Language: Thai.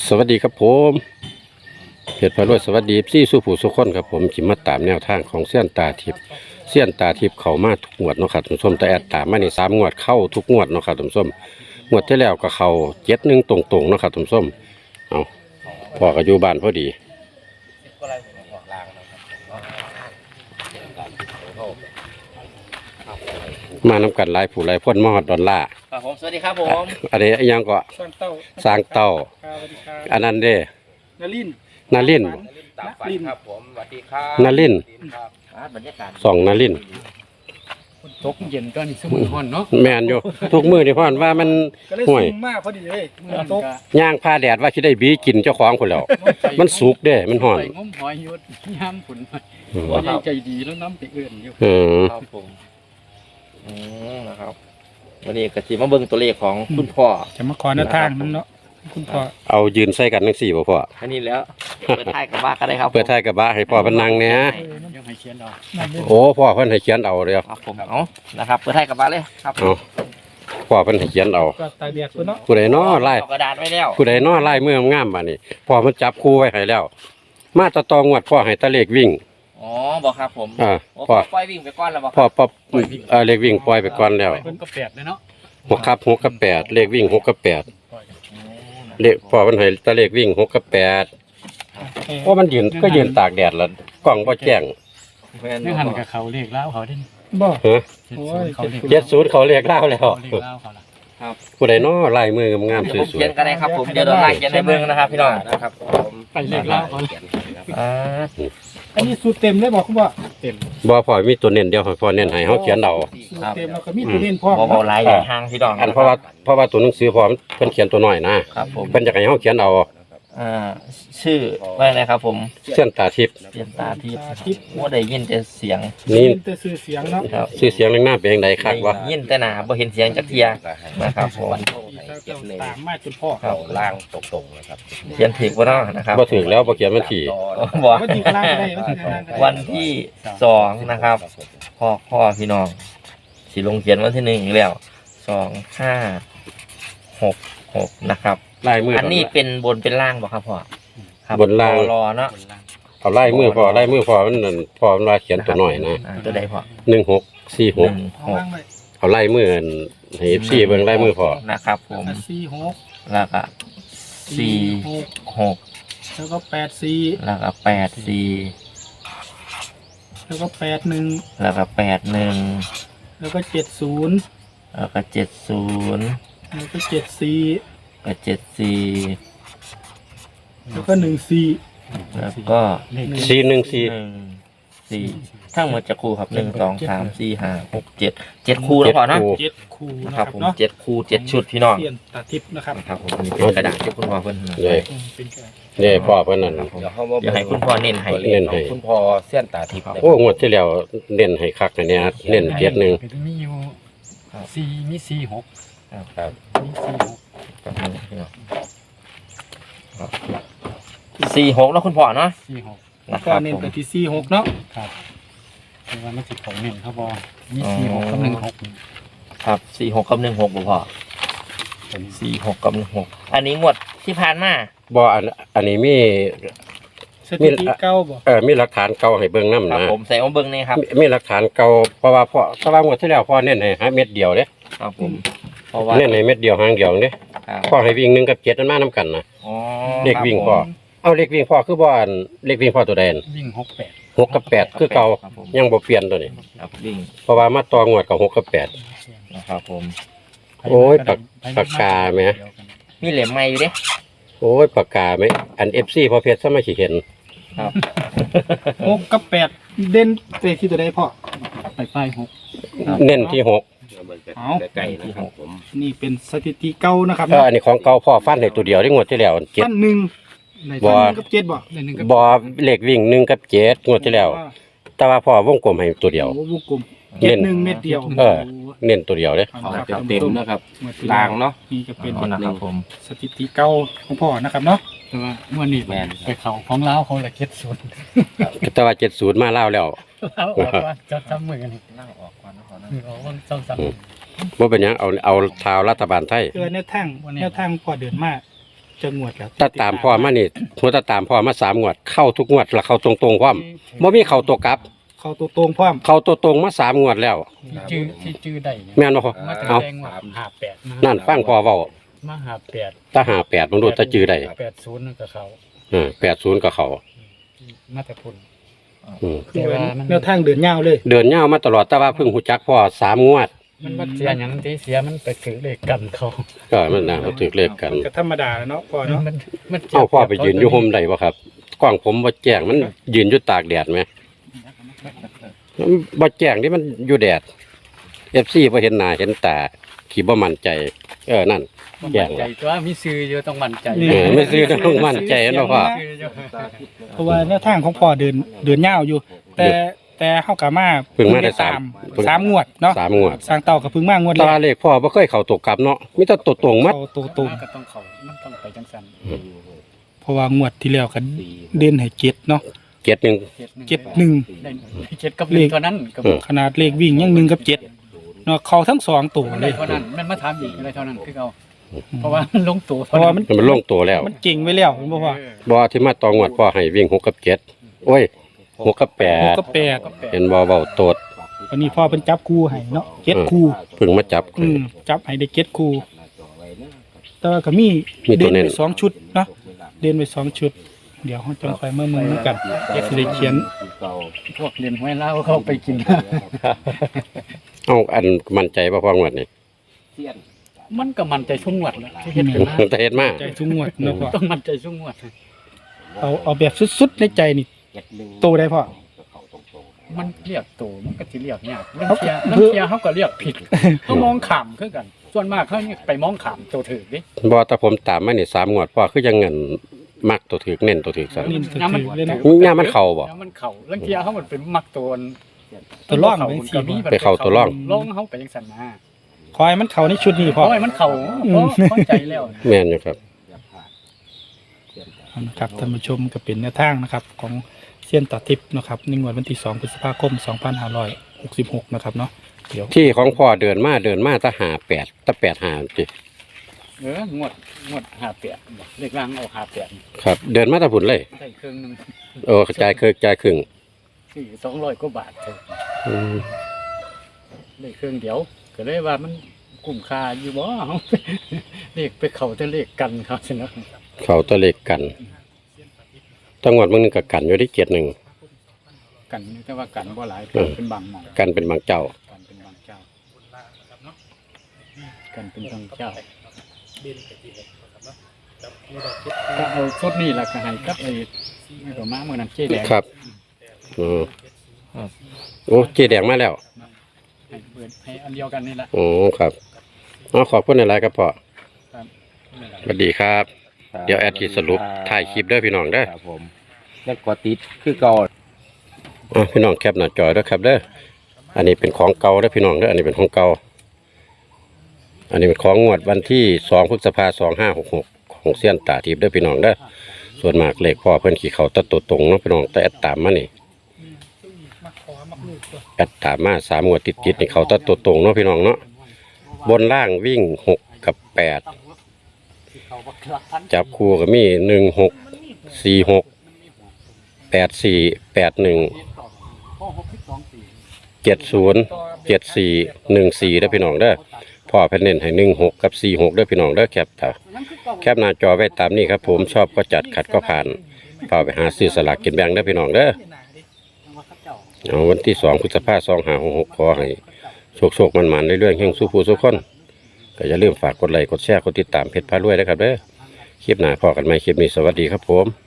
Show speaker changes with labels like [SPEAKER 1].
[SPEAKER 1] สวัสดีครับผมเพจพารวยสวัสดีพี่สู้ผู้สุขคนครับผมจิมาตามแนวทางของเสี้ยนตาทิพย์เสี้ยนตาทิพย์เขามาทุกงวดเนาะครับท่านผู้ชมแต่แอดตามมาใน3 งวดเข้าทุกงวดเนาะครับท่านผู้ชมงวดที่แล้วก็เข้า7-1ตรงๆเนาะครับท่านผู้ชมเอาพ่อก็อยู่บ้านพอดีมานำกันหลายผู้หลายคนมาฮอดดอลลาร์
[SPEAKER 2] ครับผมสวัสดีครับผม
[SPEAKER 1] อันนี้ยังก็สร้างเต้าอันนั้นเด้นาริน
[SPEAKER 2] ตามฝันครับผมสวัสดีครับ
[SPEAKER 1] นาริน
[SPEAKER 2] บรรยากาศ
[SPEAKER 1] ส่องนาริน
[SPEAKER 3] ตกเย็นก็นี่สมุนห้อนเนาะ
[SPEAKER 1] แม่นอยู่ทุกมื้อนี่พ่อนว่ามันห่วย
[SPEAKER 4] มากพอดีเลยตก
[SPEAKER 1] ย่างผ้าแดดว่าสิได้บีกินเจ้าของพุ่นแล้วมันสุกเด้มันฮ้อน
[SPEAKER 3] งมหอยยศย่ำผลว่าใจดีแล้วน้ำไปเอื่นอยู่
[SPEAKER 2] ครับผมนะครับวันนี้กะทิมาเบิ่งตัวเลขของคุณพ่อ
[SPEAKER 4] จะมาขอหน้าทางนั่นเนาะคุณพ่อ
[SPEAKER 1] เอายืนใส่กันจังซี่บ่พ่อ
[SPEAKER 2] อันนี้แล้วเปิดท้ายกับบ้าก็ได้ครับ
[SPEAKER 1] เปิดท้ายกับบ้าให้พ่อเพิ่นนั่งเนี่ย
[SPEAKER 3] ยังให้เขียนเอา
[SPEAKER 1] โอ้พ่อเพิ่นให้เขียนเอาเด้อ
[SPEAKER 2] ครับผมเอานะครับเปิดท้ายกับบ้าเลยครับ
[SPEAKER 1] พ่อเพิ่นให้เขียนเอา
[SPEAKER 4] ก็ตาเดียดพุ่นเนาะ
[SPEAKER 1] ผู้ใดน้อลาย
[SPEAKER 2] กระดาษไว้แล้ว
[SPEAKER 1] ผู้ใดน้อลายมืองามบัดนี้พ่อมันจับคู่ไว้ให้แล้วมาตองวดพ่อให้ตะเลขวิ่ง
[SPEAKER 2] อ๋อบอกครับผม
[SPEAKER 1] พ่อ
[SPEAKER 2] ปล่อยวิ่งไปก่อนแล้วบอก
[SPEAKER 1] พ่อเลขวิ่งปล่อยไปก่อนแล้ว
[SPEAKER 3] 6 กับ 8เลยเนาะ
[SPEAKER 1] 6 กับ 8เลขวิ่ง6 กับ 8เลขพ่อมันให้ตะเลขวิ่ง6 กับ 8เพราะมันยืนตากแดดแล้วกล้องบ่แจ้ง
[SPEAKER 3] นี่หันกับเขาเรียกเล่าเขาดิ
[SPEAKER 4] บ่
[SPEAKER 1] 70เขาเรียกเล่าแล้ว
[SPEAKER 2] ครับ
[SPEAKER 1] ผู้ใดน้อลายมืองามสวยๆ
[SPEAKER 2] เขียนกันได้ครับผมเดี๋ยวเราไล่เขียนในเบิ่งนะครับพี่น้องนะครับ
[SPEAKER 3] ไปเรียกเล่าเขา
[SPEAKER 4] อันนี้สูตรเต็มเลยบอกคุณว่า
[SPEAKER 3] เต็ม
[SPEAKER 1] บ่พ่อมีตัวเน้นเดียวพ่อเน้นให้เฮาเขียนเอา
[SPEAKER 4] สูตรเต็มแล้วก็มีตัวเน้นพ่อ
[SPEAKER 2] บ่หลายทางพี่น้อง
[SPEAKER 1] อันเพราะว่าตัวหนังสือพ่อเพิ่นเขียนตัวน้อยนะครับผมเพิ่นอยากให้เฮาเขียนเอา
[SPEAKER 2] ชื่อว่าอะไรครับผม
[SPEAKER 1] เสี้ยนตาทิพย์
[SPEAKER 2] เสี้ยนตาทิพย์ว่าได้ยินแต่เสียง
[SPEAKER 1] นี่
[SPEAKER 4] แต่ชื่อเสียงเนาะ
[SPEAKER 2] ครับ
[SPEAKER 1] ชื่อเสียงหน้าเป็นจังได๋คักวะ
[SPEAKER 2] ยินแต่หน้าบ่เห็นเสียงจักเที่ยนะครับผม
[SPEAKER 4] ตามมาจนพ่อ
[SPEAKER 2] เข้าล่างตรงๆนะครับเขียนถูกบ่เนาะนะครับ
[SPEAKER 1] บ่ถูกแล้วบ่เขียนวันที่
[SPEAKER 2] บ่
[SPEAKER 4] วันที่ล่างได้
[SPEAKER 2] วันที่2นะครับพ่อพี่น้องสิลงเขียนวันที่1อีกแล้ว2566นะครับ
[SPEAKER 1] ลายมืออั
[SPEAKER 2] นนี้เป็นบนเป็นล่างบ่ครับพ่อครับ
[SPEAKER 1] บนล่าง
[SPEAKER 2] รอเนาะ
[SPEAKER 1] เอาลายมือพ่อมันนั่นพ่อมันว่าเขียนตัวน้อยนะ
[SPEAKER 2] ตัวใดพ่อ
[SPEAKER 1] 1646เอาลายมือให้ FC เบิ่งลายมือพ่อ
[SPEAKER 2] นะครับผม
[SPEAKER 4] 46
[SPEAKER 2] แล้วก็46
[SPEAKER 4] แล้วก็84
[SPEAKER 2] แล้วก็84
[SPEAKER 4] แล้วก็81
[SPEAKER 2] แล้วก็81
[SPEAKER 4] แล้วก็70
[SPEAKER 2] แล้วก็70
[SPEAKER 4] แล้วก็74
[SPEAKER 2] ก็74
[SPEAKER 4] แล้วก็14
[SPEAKER 2] แล้วก็
[SPEAKER 1] 414
[SPEAKER 2] ทั้งหมดจะคู่ครับ1 2 3 4 5 6 7คู่แล้วพอนะ
[SPEAKER 4] 7คู่
[SPEAKER 2] นะครับผม7คู่7ชุดพี่น้อง
[SPEAKER 4] เสี้ยนตาทิพย์นะครับ
[SPEAKER 2] ครับผมนี่เป็นกระดาษที่คุณพ่อเพิ่น
[SPEAKER 1] นี่พ่อเพิ่นนั่น
[SPEAKER 2] เดี๋ยวให้คุณพ่อเน้นให้
[SPEAKER 1] คุณพ่อ
[SPEAKER 2] เสี้ยนตาทิพย์
[SPEAKER 1] โอ้งวดที่แล้วเน้นให้คักเนี่ยเน้นเกียรติ1
[SPEAKER 3] มีอยู่4มี46
[SPEAKER 2] ครับ
[SPEAKER 3] มี
[SPEAKER 2] 46แล้วคุณพ่อเนาะ
[SPEAKER 4] 46ก็เน้นไปที่46เนาะ
[SPEAKER 3] ครับคือว่ามันสิของเน้นครับบ่มี46กับ16
[SPEAKER 2] ครับ46กับ16บ่พ่อ46กับ16อันนี้งวดที่ผ่านมา
[SPEAKER 1] บ่อันนี้มี
[SPEAKER 4] สถิติเก่าบ่
[SPEAKER 1] มีหลักฐานเก่าให้เบิ่งนำนะ
[SPEAKER 2] ผมใส่เอาเบิ่งนี่ครับ
[SPEAKER 1] มีหลักฐานเก่าเพราะว่างวดที่แล้วพ่อเน้นให้เม็ดเดียวเด้
[SPEAKER 2] ครับผมเพราะว่า
[SPEAKER 1] เน้นให้เม็ดเดียวหางเดียวเด้พ่อให้วิ่ง1กับ7มันมานํกันนะเลขวิ่งพ่อเอาเลขวิ่งพ่อคือบ่อันเลขวิ่งพ่อตัวใด
[SPEAKER 3] วิ่ง
[SPEAKER 1] 6กับ8คือเก่ายังบ่เปลี่ยนตัวนี้
[SPEAKER 2] ครับวิ่ง
[SPEAKER 1] เพราะว่ามาต่องวดกับ6กับ8
[SPEAKER 2] นะครับผม
[SPEAKER 1] โอ้ยปากกาแหม
[SPEAKER 2] มีเหลี่ยมใหม่อยู่เด้
[SPEAKER 1] โอ้ยปากกาแหมอัน FC พอเพชรซะมาสิเห็น
[SPEAKER 2] ครับ
[SPEAKER 4] 6กับ8เด่นไปที่ตัวใดพ่อ
[SPEAKER 3] ไป
[SPEAKER 1] 6เน้นที่6
[SPEAKER 4] เอาใกล้นะครับผมนี่เป็นสถิติเก่านะครับ
[SPEAKER 1] อันนี้ของเก่าพ่อฟันให้ตัวเดียวได้งวดที่แล้ว7
[SPEAKER 4] ฟัน1กับ7
[SPEAKER 1] บ่เลขวิ่ง1กับ7งวดที่แล้วแต่ว่าพ่อวงกลมให้ตัวเดียว
[SPEAKER 4] วงกลม7-1เม็ดเดียว
[SPEAKER 1] เน้นตัวเดียวเด้
[SPEAKER 2] เต็มนะครับลางเนาะ
[SPEAKER 4] นี่ก็เป็น
[SPEAKER 2] นะครับผม
[SPEAKER 4] สถิติเก่าของพ่อนะครับเนาะ
[SPEAKER 3] แต่ว่าเมื่อนี้ไปเขาของลาวเขาละ70
[SPEAKER 1] แต่ว่า70มาลาวแล้ว
[SPEAKER 3] ลาวออกว่าจะทำมือกันลาวออกก่อน
[SPEAKER 1] บ่เป็นหยังเอาทาวรัฐบาลไทย
[SPEAKER 4] แนวทางพ่อเดินมา
[SPEAKER 3] จะงวดแล้ว
[SPEAKER 1] ถ้าตามพ่อมานี่หัวตาตามพ่อมา3งวดเข้าทุกงวดแล้วเข้าตรงๆพร้อมบ่มีเข้าตัวกลับ
[SPEAKER 3] เข้าตัวตรงพร้อม
[SPEAKER 1] เข้าตัวตรงมา3งวดแล้ว
[SPEAKER 3] ที่จื้อได้เนี่ย
[SPEAKER 1] แม่นบ่พ่อ
[SPEAKER 3] มาแต่
[SPEAKER 1] เอา
[SPEAKER 3] แดงว่า58
[SPEAKER 1] นั่นฟังพ่อเว้า
[SPEAKER 3] มา58
[SPEAKER 1] ถ้า58มันรู้ถ้าจื้อได้
[SPEAKER 3] 80นั่นก็เขา
[SPEAKER 1] 80ก็เข้า
[SPEAKER 3] มาแต่พุ่น
[SPEAKER 1] อืม
[SPEAKER 3] แต่ว่ามัน
[SPEAKER 5] แนวทางเดินยาวเลย
[SPEAKER 1] เดินยาวมาตลอดแต่ว่าเพิ่งฮู้จักพ่อ3งวด
[SPEAKER 3] มันบ่เสียหยังที่เสียมันไปถือเลขกันเขา
[SPEAKER 1] ก็มันน่าเขาถือเลขกัน
[SPEAKER 5] ก็ธรรมดาเนาะพ่อเนาะ
[SPEAKER 3] มัน
[SPEAKER 1] เอาพ่อไปยืนอยู่ห่มได้บ่ครับกล้องผมบ่แจ้งมันยืนอยู่ตากแดดไหมมันบ่แจ้งที่มันอยู่แดด FC บ่เห็นหน้าเห็นตาขี้บ่มั่นใจ นั่นแจ้ง
[SPEAKER 3] ใจ
[SPEAKER 1] แล้ว
[SPEAKER 3] ตัวมีซื้ออยู่ต้องมั่นใจ
[SPEAKER 1] ไม่ซื้อต้องมั่นใจเนาะพ่อ
[SPEAKER 5] เพราะว่าแนวทางของพ่อเดินยาวอยู่ แต่เฮากะมา
[SPEAKER 1] เพิ่งมาได้
[SPEAKER 5] ตาม
[SPEAKER 1] เพิ่ง
[SPEAKER 5] สามงวดเนาะ
[SPEAKER 1] 3งวด
[SPEAKER 5] สร้างเต่ากับพึ่งมางวด
[SPEAKER 1] ตา
[SPEAKER 5] แรก
[SPEAKER 1] เลขพ่อบ่เคยเข้าตกกลับเนาะมีแต่ตัวตรงมัด
[SPEAKER 5] เข้าตรง
[SPEAKER 3] ก็ต้องเขามันต้องไปจังซั่น
[SPEAKER 5] ๆเพราะว่างวดที่แล้วก็เด่นให้เจ็ดเนาะ
[SPEAKER 1] 71
[SPEAKER 5] เจ็ดหนึ่ง
[SPEAKER 3] ได้เจ็ดกับหนึ่งเท่านั้นก็
[SPEAKER 5] ขนาดเลขวิ่งยังหนึ่งกับเจ็ดเนาะเข้าทั้งสองตัว
[SPEAKER 3] มัน
[SPEAKER 5] เล
[SPEAKER 3] ได้
[SPEAKER 5] ย
[SPEAKER 3] เท่านั้นมันมาถามอีกอะไรเท่านั้นคือเอาเพราะว่ามันลงตัว
[SPEAKER 5] เพราะว่ามัน
[SPEAKER 1] มันลงตัวแล้ว
[SPEAKER 5] มันเก่งไว้แล้วเห็นบ่พ่อ
[SPEAKER 1] บ่ที่มาตองวดพ่อให้วิ่ง6กับ7โอ้ย6กับ
[SPEAKER 5] หกกับแปด
[SPEAKER 1] 8เห็นบ่เว้าโตด
[SPEAKER 5] วันนี้พ่อเป็นจับคู่ให้เนาะเจ็ดคู่
[SPEAKER 1] เพิ่งมาจับ
[SPEAKER 5] จับให้ได้เจ็ดคู่แต่ว่าก็มี
[SPEAKER 1] มีตัว
[SPEAKER 5] เด่น
[SPEAKER 1] เน้น
[SPEAKER 5] ไปสองชุดเนาะเด่นไปสองชุด เดี๋ยวเราจะคอยเมื่อมือกันสิได้เขียน
[SPEAKER 3] พวกเรียนห้วยเล่าเขาไปกิน
[SPEAKER 1] เอาอันมั่นใจบ่พ่องวดนี่
[SPEAKER 3] มันก็มันใจชุ่มงวดแล้วที่เฮ็ดกันมา
[SPEAKER 1] แต่เฮ็ดมา
[SPEAKER 5] ใจทุกงวดเนาะพ่อ
[SPEAKER 3] ต้องมันใจชุ่มงวด
[SPEAKER 5] เอาแบบสุดๆในใจนี่โตได้พ่อ
[SPEAKER 3] มันเรียกตัวมันก็สิเรียกยากเรื่องเทียเขาก็เรียกผิดเขามองขามคือกัน ส่วนมากเขาไปมองขามตัวถือดิ
[SPEAKER 1] บ่แต่ผมตามมานี่3งวดพ่อคือยังเงินมักตัวถึกเน้นตัวถึกซะ
[SPEAKER 5] นี่ถือเลยนะ
[SPEAKER 1] ย่ามันเข้าบ่
[SPEAKER 3] มันเข่าเรื่องเทียเขามันเป็นมักตัว
[SPEAKER 5] ตัวร่องไปสิ
[SPEAKER 1] ไปเข้าตัวร่อง
[SPEAKER 3] ร่องเขาไปจังซั่นนะ
[SPEAKER 5] คอยมันเข้าในชุดนี้พ่อ
[SPEAKER 3] เพราะมันเข่าเพราะใจแล้ว
[SPEAKER 1] แม่นอยู่ครับ
[SPEAKER 5] นะครับท่านผู้ชมก็เป็นแนวทางนะครับของเซียนต่อทิพย์นะครับในงวดวันที่2พฤษภาคม2566นะครับเนาะเดี๋ยว
[SPEAKER 1] ที่ของพ่อเดินมาถ้า58ถ้า85ติ
[SPEAKER 3] งวด58เลขล่างเอา58
[SPEAKER 1] ครับ เดินมาแตะพุ่นเลย
[SPEAKER 3] ได้ครึ่งนึง
[SPEAKER 1] กระจายครึ่ง
[SPEAKER 3] สี่200กว่าบาทเถอะ
[SPEAKER 1] อืม
[SPEAKER 3] ได้ครึ่งเดียวก็เลยว่ามันคุ้มค่าอยู่บ่เฮาเลขไปเข้าแต่เลขกันครับสินะ
[SPEAKER 1] เข้าตัวเลขกันจังหวัดมึงนึงก็กันอยู่ที่7-1
[SPEAKER 3] กันแต่ว่ากันบ่หลายเป็นบางหม่อง
[SPEAKER 1] กันเป็นบางเจ้า
[SPEAKER 3] กันเป็นบางเจ้ากันเป็นบางเจ้าก็เอาชุดนี้ล่ะก็ให้กับไอ้ไม่ก็มาเมื่อนั้นเจ๊แดง
[SPEAKER 1] ครับโอ้เจแดงมาแล้ว
[SPEAKER 3] ให้เปิดให้อันเดียวกันนี่แหละ
[SPEAKER 1] โอ้ครับขอบคุณหลายๆครับพ่อ
[SPEAKER 3] ครับ
[SPEAKER 1] สวัสดีครับ เดี๋ยวแอดขีดสรุปถ่ายคลิปเด้อพี่น้องเด้อ
[SPEAKER 2] ครับผมแล้วก็ติดคือเก่า
[SPEAKER 1] พี่น้องแคปหน้าจอเด้อครับเด้ออันนี้เป็นของเก่าเด้อพี่น้องเด้ออันนี้เป็นของเก่าอันนี้เป็นของงวดวันที่2พฤษภาคม2566ของเซียนตาทิพย์เด้อพี่น้องเด้อส่วนมากเลขพ่อเพิ่นขี่เขาตัดตัวตรงเนาะพี่น้องแต่แอดตามมานี่แอดตามมา3งวดติดๆนี่เขาตัดตัวตรงเนาะพี่น้องเนาะบนล่างวิ่ง6กับ8จับคู่ก็มี16 46 84 81 70 74 14ได้อพี่น้องเด้อพ่อเพิ่นเน้นให้16กับ46เด้อพี่น้องเด้อแคปหน้าจอไว้ตามนี้ครับผมชอบก็จัดขัดก็ผ่านเฝ้าไปหาซื้อสลากกินแบ่งเด้อพี่น้องเด้อเอาวันที่2พฤษภาคม2566ขอให้โชคมันๆเรื่อยๆแห่งสู้ผู้สู้คนก็อย่าลืมฝากกดไลค์กดแชร์กดติดตามเพจพารวยนะครับเด้อคลิปหน้าพอกันใหม่คลิปนี้สวัสดีครับผม